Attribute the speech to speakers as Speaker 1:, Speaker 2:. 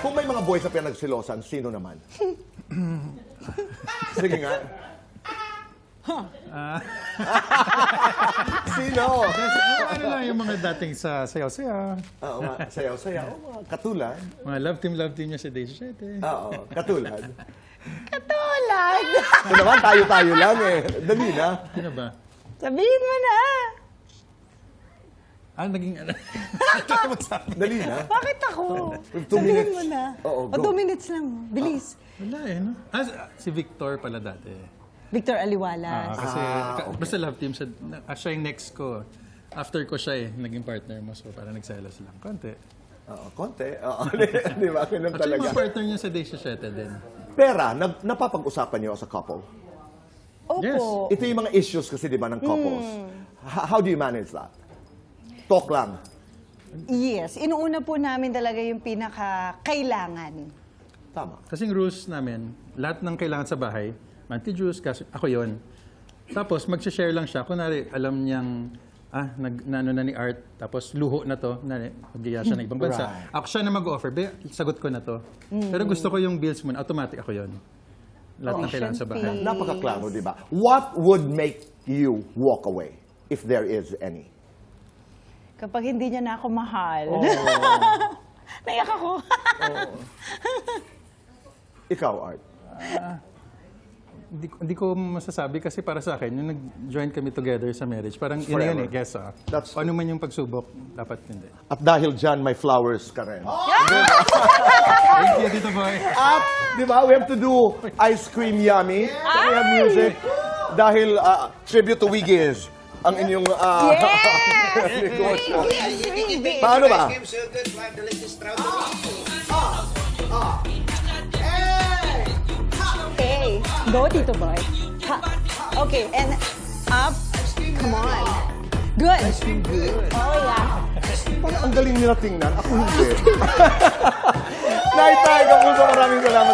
Speaker 1: Kung may mga boys na pinagsilosan, sino naman? Sige nga. Sino?
Speaker 2: Ano lang yung mga dating sa sayaw-sayaw.
Speaker 1: Oo, sayaw-sayaw. Mga katulad.
Speaker 2: Mga love team niya sa Day 7.
Speaker 1: Oo, katulad.
Speaker 3: Katulad.
Speaker 1: Ito naman, tayo-tayo lang eh. Dali na.
Speaker 2: Sino ba?
Speaker 3: Sabihin mo na.
Speaker 2: Naging ano?
Speaker 1: Dali na.
Speaker 3: Bakit ako?
Speaker 1: 2
Speaker 3: Sabihin
Speaker 1: minutes.
Speaker 3: mo na.
Speaker 1: Oo,
Speaker 3: O,
Speaker 1: go.
Speaker 3: 2 minutes lang. Bilis.
Speaker 2: Wala eh, no? Si Victor pala dati.
Speaker 3: Victor Aliwalas.
Speaker 2: Kasi, basta love team siya. Siya yung next ko. After ko siya naging partner mo. So, parang nagselos lang. Konti.
Speaker 1: Oo, konti. Oo, di ba? Ganun
Speaker 2: Actually,
Speaker 1: talaga.
Speaker 2: yung partner niya sa Day 7 din.
Speaker 1: Pera, napapag-usapan niyo as a couple?
Speaker 3: Opo.
Speaker 2: Yes.
Speaker 1: Ito yung mga issues kasi, di ba, ng couples. How do you manage that? Talk lang.
Speaker 3: Yes. Inuuna po namin talaga yung pinaka-kailangan.
Speaker 1: Tama.
Speaker 2: Kasing rules namin, lahat ng kailangan sa bahay, monthly juice, ako yon. Tapos, mag-share lang siya. Kunwari, alam niyang, naano na ni Art, tapos luho na to, mag-iya siya ng ibang bansa.
Speaker 1: Right.
Speaker 2: Ako siya na mag-offer, sagot ko na to. Pero gusto ko yung bills mo, automatic ako yon. Lahat ng kailangan sa bahay.
Speaker 1: Napakaklaro, di ba? What would make you walk away, if there is any?
Speaker 3: Kapag hindi niya na ako mahal. Naiyak ako.
Speaker 1: Ikaw, Art.
Speaker 2: Hindi ko masasabi kasi para sa akin, yung nag-join kami together sa marriage, parang yun na yun eh, guess
Speaker 1: That's
Speaker 2: ano man yung pagsubok, dapat hindi.
Speaker 1: At dahil dyan, may flowers ka rin.
Speaker 2: Thank you, Tito Boy.
Speaker 1: At, di ba, we have to do Ice Cream Yummy. Can we have music? Dahil tribute to Wiggies ang inyong negosyo. Paano ba?
Speaker 3: Okay. Go, Tito Boy. Ha. Okay, and up. Come on. Good. Oh, yeah.
Speaker 1: Parang ang galing nila tingnan. Ako hindi. Night, Kapuso, maraming salamat